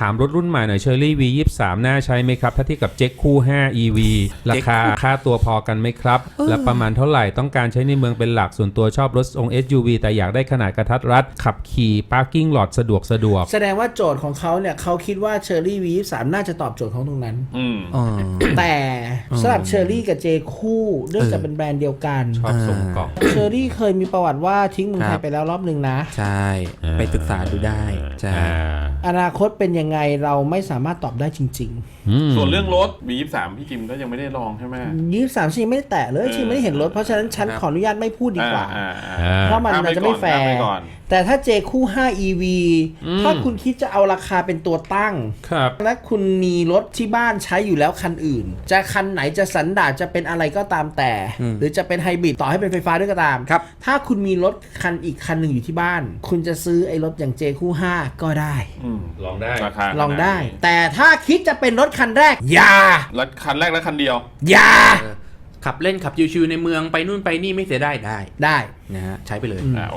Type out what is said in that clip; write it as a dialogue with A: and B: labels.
A: ามรถรุ่นใหม่หน่อยเชอรี่ V23 น่าใช้ไหมครับถ้าเทียบกับเจ็คคู่5 EV ราคาค่าตัวพอกันไหมครับและประมาณเท่าไหร่ต้องการใช้ในเมืองเป็นหลักส่วนตัวชอบรถทรง SUV แต่อยากได้ขนาดกระทัดรัดขับขี่พาร์กิ้งหลอดสะดวก
B: แสดงว่าโจทย์ของเขาเนี่ยเขาคิดว่าเชอรี่ V23 น่าจะตอบโจทย์ของตรงนั้นแต่สำหรับเชอรี่กับเจคู่เนื่องจากเป็นแบรนด์เดียวกัน
A: ชอบส่งกล่อง
B: เชอรี่เคยมีประวัติว่าทิ้งเมืองไทยไปแล้วรอบนึงนะ
C: ใช่ไปศึกษาดูได้ใช่
B: อนาคตเป็นยังไงเราไม่สามารถตอบได้จริง
D: ส่วนเรื่องรถ V23 พี่จิมก็ยังไม่ได้ลองใช่ไหม
B: 23ชีไม่ได้แตะเลยชีไม่ได้เห็นรถเพราะฉะนั้นฉันขออนุญาตไม่พูดดีกว่าเพราะมันจะไม่แฟร์แต่ถ้าเจคู่5 EV ถ้าคุณคิดจะเอาราคาเป็นตัวตั้งและคุณมีรถที่บ้านใช้อยู่แล้วคันอื่นจะคันไหนจะสันดาปจะเป็นอะไรก็ตามแต่หรือจะเป็นไฮบริดต่อให้เป็นไฟฟ้าด้วยก็ตามถ้าคุณมีรถคันอีกคันหนึ่งอยู่ที่บ้านคุณจะซื้อไอ้รถอย่างเจคู่5ก็ได้
A: ลองได้
B: ลองได้แต่ถ้าคิดจะเป็นรถคันแรกอย่า
D: คันแรกและคันเดียว
B: อย่า
C: ขับเล่นขับชิวๆในเมืองไปนู่นไปนี่ไม่เสียได้ได้
B: นะ
C: ฮะใช้ไปเลย